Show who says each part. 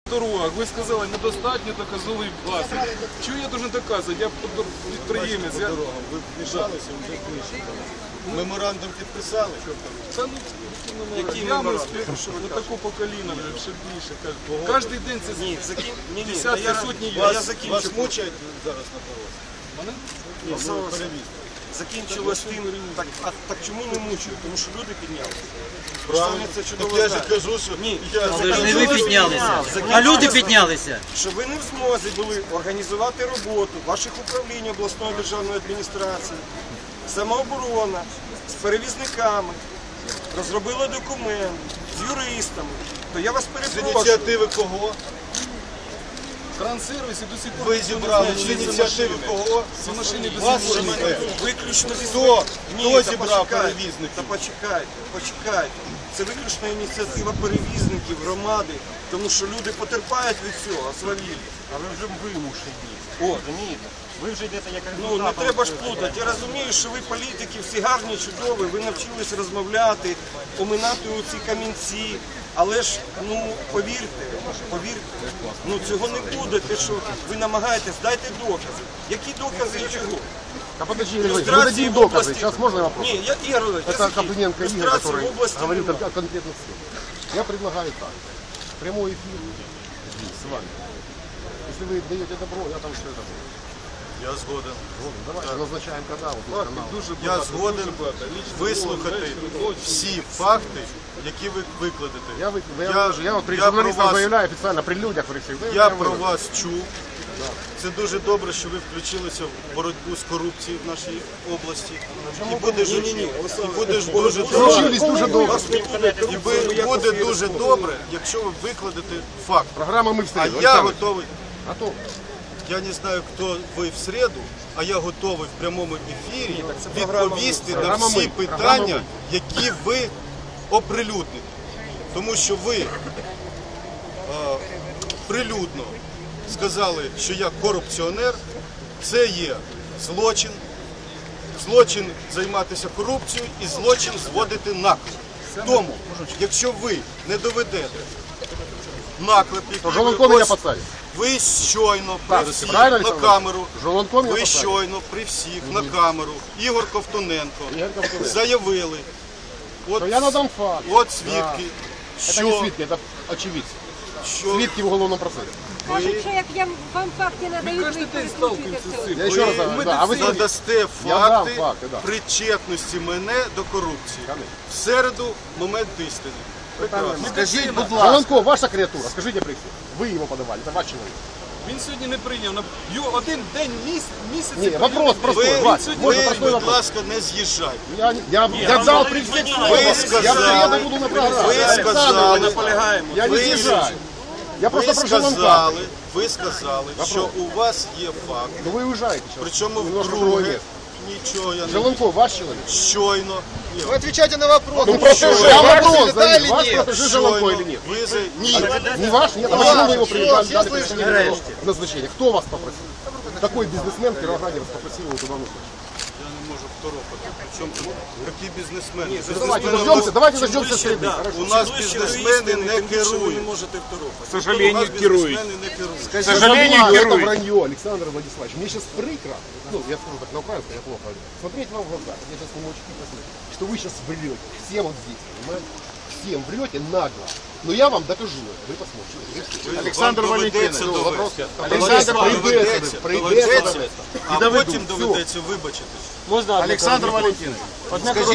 Speaker 1: Дорогах, ви сказали, недостатньо доказової бази. Чого я должен доказувати? Я підприємець.
Speaker 2: Ви вмішалися, вже знищили. Меморандум підписали?
Speaker 1: Та ну, ями на таку покоління, ще більше. Кожен день це десятки, сотні є.
Speaker 2: Вас мучають зараз на дорозі?
Speaker 3: Закінчилось тим, так чому не мучають? Тому що люди піднялися.
Speaker 2: Правильно. Так я ж кажу, що...
Speaker 4: Це ж не ви піднялися, а люди піднялися.
Speaker 3: Що ви не в змозі були організувати роботу ваших управлінь обласної державної адміністрації, самооборона, з перевізниками, розробили документ, з юристами. То я вас
Speaker 2: З
Speaker 3: перепрошую.
Speaker 2: ініціативи кого?
Speaker 1: Транссервіс і до сих пор
Speaker 2: Ви зібрали з ініціативи кого?
Speaker 1: ці машини без
Speaker 2: Вас
Speaker 1: імені.
Speaker 3: Виключно
Speaker 2: Хто
Speaker 3: Ні,
Speaker 2: зібрав
Speaker 3: та
Speaker 2: перевізників?
Speaker 3: почекайте. Це виключно ініціатива перевізників, громади, тому що люди потерпають від цього, свавілля.
Speaker 5: А ви вже вимушені. Розумієте? Ви вже йдете як
Speaker 3: Ну, не треба ж плутати. Я розумію, що ви політики, всі гарні, чудові, ви навчились розмовляти, оминати оці камінці. Але ж, ну, повірте, ну цього не буде, те, що ви намагаєтесь, дайте докази. Які докази і чого?
Speaker 6: А подожди, Игорь, вы
Speaker 3: Иллюстрации
Speaker 6: дадите
Speaker 3: в
Speaker 6: доказы.
Speaker 3: области.
Speaker 6: Сейчас можно вопрос?
Speaker 3: Ні, я Ігор Олегович, я
Speaker 6: Это
Speaker 3: закінчу.
Speaker 6: Копыненко Игорь,
Speaker 3: Ілюстрації
Speaker 6: который
Speaker 3: в області
Speaker 6: говорит
Speaker 3: немає.
Speaker 6: о конкретных случаях. Я предлагаю так. Прямой эфир здесь, с вами. Если вы даете добро, я там все это буду.
Speaker 2: Я згоден.
Speaker 6: Давайте назначаем канал. Вот тут канал.
Speaker 2: Я згоден вислухати всі факти, які ви викладете.
Speaker 6: Я вот при
Speaker 2: я про
Speaker 6: журналистах
Speaker 2: вас-
Speaker 6: заявляю официально, при людях при всех.
Speaker 2: Я про вас чув. Це дуже добре, що ви включилися в боротьбу з корупцією в нашій області. І буде дуже добре.
Speaker 6: Включились дуже добре.
Speaker 2: І буде дуже добре, якщо ви викладете факт.
Speaker 6: Программа «Мы в
Speaker 2: А
Speaker 6: среду».
Speaker 2: я
Speaker 6: Александр,
Speaker 2: готовий.
Speaker 6: готов.
Speaker 2: Я не знаю, хто ви в середу, а я готовий в прямому ефірі відповісти на
Speaker 6: Програма
Speaker 2: всі
Speaker 6: «Ми».
Speaker 2: питання,
Speaker 6: «Ми».
Speaker 2: які ви оприлюдните. Тому що ви прилюдно сказали, що я корупціонер, це є злочин. Злочин займатися корупцією і злочин зводити наклеп. Тому, якщо ви не доведете наклеп, який
Speaker 6: Жолонко меня посадит.
Speaker 2: ви щойно при всіх
Speaker 6: правильно,
Speaker 2: на
Speaker 6: Олександр?
Speaker 2: камеру,
Speaker 6: Жолонко меня
Speaker 2: ви
Speaker 6: посадит.
Speaker 2: щойно при всіх на камеру, Ігор Ковтоненко, заявили,
Speaker 6: Но я надам факт.
Speaker 2: от свідки,
Speaker 6: Это не свидки, это очевидцы.
Speaker 2: що
Speaker 6: Свидки в уголовном процессе.
Speaker 7: Кажуть, що як я вам факти надають, ви
Speaker 1: Кожен день
Speaker 7: перекручуєте
Speaker 1: сталкиваемся з
Speaker 7: все.
Speaker 1: цим.
Speaker 6: Я еще раз говорю, да, а вы
Speaker 2: задасте
Speaker 6: Я дам
Speaker 2: факти
Speaker 6: факти, да.
Speaker 2: причетності мене до корупції.
Speaker 6: Конечно.
Speaker 2: В середу момент істини. Прекрасно.
Speaker 6: Скажите, будь ласка. Жолонко, ваша креатура, скажите при всех. Вы его подавали, это ваш человек.
Speaker 1: Він сьогодні не прийняв. Його один день місяць.
Speaker 6: Не, вопрос простой,
Speaker 2: Ви,
Speaker 6: Вася, можно
Speaker 2: ви,
Speaker 6: простой
Speaker 2: будь
Speaker 6: вопрос?
Speaker 2: ласка, не з'їжджайте.
Speaker 6: Я дал при всех словах. Я в среду буду на программе.
Speaker 2: Ви
Speaker 6: Александр,
Speaker 2: сказали,
Speaker 3: Наполягаємо.
Speaker 6: я не
Speaker 2: ви-
Speaker 6: съезжаю. Я просто про Жолонка.
Speaker 2: ви сказали, що у вас є факт,
Speaker 6: Но вы уезжаете сейчас.
Speaker 2: причому
Speaker 6: Немножко другое
Speaker 2: вдруге,
Speaker 6: место.
Speaker 2: нічого я не
Speaker 6: Жолонко, ваш человек?
Speaker 2: щойно, ні,
Speaker 5: Ви відповідайте на вопрос.
Speaker 6: Ну просто я вопрос задаю. Ваш
Speaker 5: нет?
Speaker 6: протеже Жолонко
Speaker 2: щойно
Speaker 6: или нет?
Speaker 2: ви ні.
Speaker 6: Не ваш? Нет, а почему вы его
Speaker 5: все
Speaker 6: дали назначение? Кто вас попросил? Какой бизнесмен в Кировограде вас попросил его туда назначить?
Speaker 2: Я не можу второпати. Причому тут такі бізнесмени?
Speaker 6: Давайте дождемся среды.
Speaker 2: У нас бізнесмени не
Speaker 3: Ви
Speaker 2: керують.
Speaker 3: не можете второпати.
Speaker 1: К сожалению, керують.
Speaker 2: Бізнесмени не керують.
Speaker 6: К сожалению, это вранье, Александр Владиславович. Мне сейчас прикро, ну, я скажу так на украинском, я плохо говорю, смотреть вам в глаза, я сейчас не очень посмотрю, что вы сейчас врете, всем вот здесь, понимаете? Всем врете нагло. Но я вам докажу это, вы посмотрите.
Speaker 2: Александр Валентинович,
Speaker 6: Александр
Speaker 2: доведеться, а потім доведеться вибачитись.
Speaker 5: Олександр Валентинович.